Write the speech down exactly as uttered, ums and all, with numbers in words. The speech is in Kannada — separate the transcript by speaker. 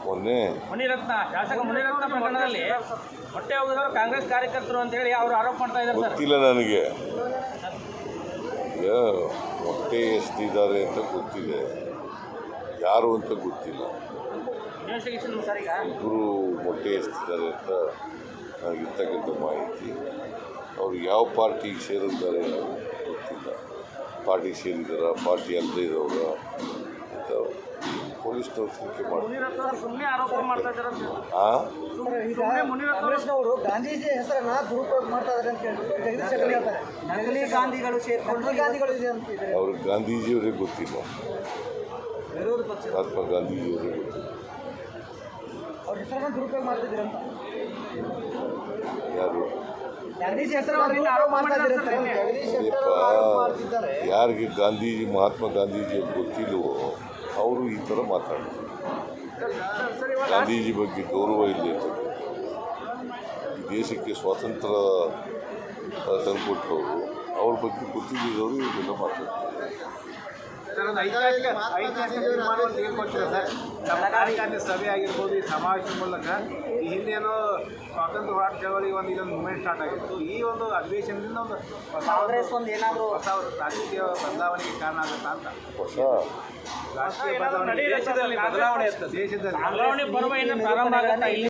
Speaker 1: ಮೊನ್ನೆ
Speaker 2: ಮುನಿರತ್ನ ಶಾಸಕ ಮುನಿರತ್ನ ಪ್ರಕರಣದಲ್ಲಿ ಹೊಟ್ಟೆ ಹೋಗಿದವರು ಕಾಂಗ್ರೆಸ್ ಕಾರ್ಯಕರ್ತರು ಅಂತ ಹೇಳಿ ಅವರು ಆರೋಪ ಮಾಡ್ತಾ ಇದ್ದಾರೆ ಸರ್.
Speaker 1: ಗೊತ್ತಿಲ್ಲ ನನಗೆ. ಈಗ ಹೊಟ್ಟೆ ಎಷ್ಟಿದ್ದಾರೆ ಅಂತ ಗೊತ್ತಿದೆ, ಯಾರು ಅಂತ ಗೊತ್ತಿಲ್ಲ.
Speaker 2: ಇನ್ವೆಸ್ಟಿಗೇಷನ್ ಸರ್ ಈಗ
Speaker 1: ಇಬ್ಬರು ಹೊಟ್ಟೆ ಎಷ್ಟಿದ್ದಾರೆ ಅಂತ ನನಗಿರ್ತಕ್ಕಂಥ ಮಾಹಿತಿ. ಅವರು ಯಾವ ಪಾರ್ಟಿಗೆ ಸೇರಿದ್ದಾರೆ ಗೊತ್ತಿಲ್ಲ. ಪಾರ್ಟಿ ಸೇರಿದಾರ, ಪಾರ್ಟಿ ಅಲ್ಲದೆ ಇರೋರ ಅಂತ ಪೊಲೀಸ್ನವ್ರು ತನಿಖೆ ಮಾಡ್ತಾರೆ.
Speaker 2: ಸುಮ್ಮನೆ ಆರೋಪ ಮಾಡ್ತಾ ಇದ್ದಾರೆ.
Speaker 1: ಹಾಂ,
Speaker 3: ಕಾಂಗ್ರೆಸ್ನವರು ಗಾಂಧೀಜಿ ಹೆಸರನ್ನ ದುರುಪಯೋಗ ಮಾಡ್ತಾ ಇದ್ದಾರೆ ಅಂತ ಹೇಳಿ ಜಗದೀಶ್ ಶೆಟ್ಟರ್ ಹೇಳ್ತಾರೆ. ನಕಲಿ ಗಾಂಧಿಗಳು ಸೇರ್ಕೊಂಡು ಗಾಂಧಿಗಳು ಇದೆ ಅಂತಿದ್ದಾರೆ.
Speaker 1: ಅವ್ರಿಗೆ ಗಾಂಧೀಜಿಯವರೇ ಗೊತ್ತಿಲ್ಲ,
Speaker 3: ವಿರೋಧ ಪಕ್ಷ
Speaker 1: ಮಹಾತ್ಮ ಗಾಂಧೀಜಿಯವರೇ ಗೊತ್ತಿಲ್ಲ.
Speaker 3: ಅವ್ರ ಹೆಸರನ್ನ ದುರುಪಯೋಗ ಮಾಡ್ತಿದ್ದೀರ ಅಂತ.
Speaker 1: ಯಾರು
Speaker 3: ಗಾಂಧೀಜಿ ಹೆಸರನ್ನ ದುರುಪಯೋಗ ಮಾಡ್ತಾ ಇದ್ದಾರೆ ಅಂತ ಜಗದೀಶ್ ಶೆಟ್ಟರ್ ಆರೋಪ ಮಾಡ್ತಿದ್ದಾರೆ.
Speaker 1: ಯಾರಿಗೆ ಗಾಂಧೀಜಿ ಮಹಾತ್ಮ ಗಾಂಧೀಜಿ ಗೊತ್ತಿಲ್ಲವೋ ಅವರು ಈ ಥರ ಮಾತಾಡ್ತಾರೆ. ಗಾಂಧೀಜಿ ಬಗ್ಗೆ ಗೌರವ ಇಲ್ಲದೆ ಈ ದೇಶಕ್ಕೆ ಸ್ವಾತಂತ್ರ್ಯ ತಂದುಕೊಟ್ಟವರು, ಅವ್ರ ಬಗ್ಗೆ ಗೊತ್ತಿದ್ದವರು ಇದೆಲ್ಲ ಮಾತಾಡ್ತಾರೆ.
Speaker 4: ಕಾರ್ಯಕಾರಿಣಿ ಸಭೆ ಆಗಿರ್ಬೋದು, ಈ ಸಮಾವೇಶದ ಮೂಲಕ ಈ ಹಿಂದೇನೋ ಸ್ವಾತಂತ್ರ್ಯ ಹೋರಾಟ ಚಳವಳಿ ಒಂದು ಇದೊಂದು ಮೂವ್ಮೆಂಟ್ ಸ್ಟಾರ್ಟ್ ಆಗಿತ್ತು. ಈ ಒಂದು ಅಧಿವೇಶನದಿಂದ ಒಂದು
Speaker 3: ಕಾಂಗ್ರೆಸ್ ಒಂದು ಏನಾದರೂ
Speaker 4: ಹೊಸ ರಾಜಕೀಯ ಬದಲಾವಣೆಗೆ ಕಾರಣ ಆಗುತ್ತಾ ಅಂತ.
Speaker 1: ಹೊಸ
Speaker 4: ರಾಜಕೀಯ ಬದಲಾವಣೆ ದೇಶದಲ್ಲಿ ಬದಲಾವಣೆ ಇರ್ತದೆ. ದೇಶದಲ್ಲಿ
Speaker 2: ಬದಲಾವಣೆ ಪರ್ವ ಏನು ಪ್ರಾರಂಭ ಆಗುತ್ತೆ ಇಲ್ಲಿ